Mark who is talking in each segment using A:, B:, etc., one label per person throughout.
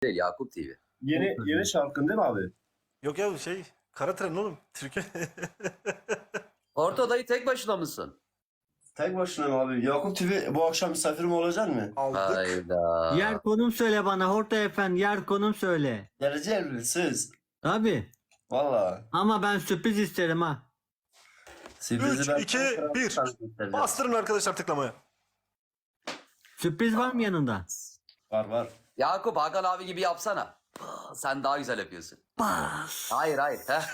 A: değil, Yakup TV.
B: Yeni şarkın değil mi abi?
C: Yok ya Kara Tren oğlum. Türkiye.
A: Orta dayı tek başına mısın?
B: Tek başına mı abi? Yakup TV bu akşam misafirim olacak mı?
C: Aldık.
A: Hayda.
D: Yer konum söyle bana Horta Efendi, yer konum söyle.
B: Geleceğim söz.
D: Abi
B: Valla.
D: ama ben sürpriz isterim ha.
C: 3, 2, 1. Bastırın arkadaşlar tıklamaya.
D: Sürpriz var mı yanında?
B: Var.
A: Yakup Hakan abi gibi yapsana. Sen daha güzel yapıyorsun.
D: Bas.
A: Hayır. Heh.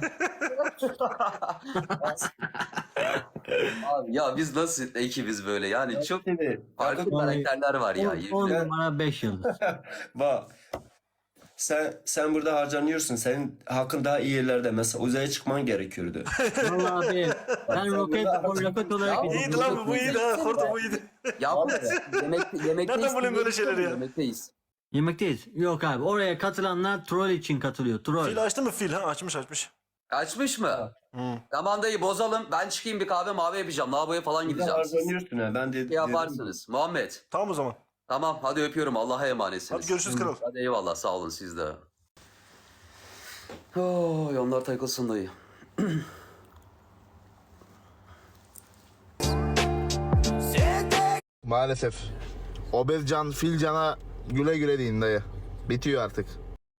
A: Abi ya biz nasıl ekibiz böyle yani çok farklı
B: Yakup,
A: karakterler var ya.
D: 10 numara 5 yıldız.
B: bak. Sen burada harcanıyorsun. Senin hakkın daha iyi yerlerde. Mesela uzaya çıkman gerekiyordu.
D: Vallahi abi ben roket olarak
A: Ya,
C: İyiydi lan bu iyiydi ha. Horta bu iyiydi.
A: Yakup yemekteyiz.
C: Nereden bulayım böyle şeyleri ya?
A: Yemekteyiz.
D: Yemekteyiz. Yok abi oraya katılanlar troll için katılıyor. Troll.
C: Fil açtı mı fil ha? Açmış.
A: Açmış mı?
C: Hı.
A: Tamam dayı bozalım. Ben çıkayım bir kahve mavi yapacağım. Lavaboya falan
B: Burada
A: gideceğim. Siz
B: harcanıyorsun ha. Ben de
A: yaparsınız. Muhammed.
C: Tamam o zaman.
A: Tamam hadi öpüyorum. Allah'a emanetsiniz.
C: Hadi görüşürüz kral.
A: Hadi eyvallah sağ olun siz de. Oh, onlar takılsın dayı.
E: Maalesef. Obezcan, Filcan'a güle güle deyin dayı. Bitiyor artık.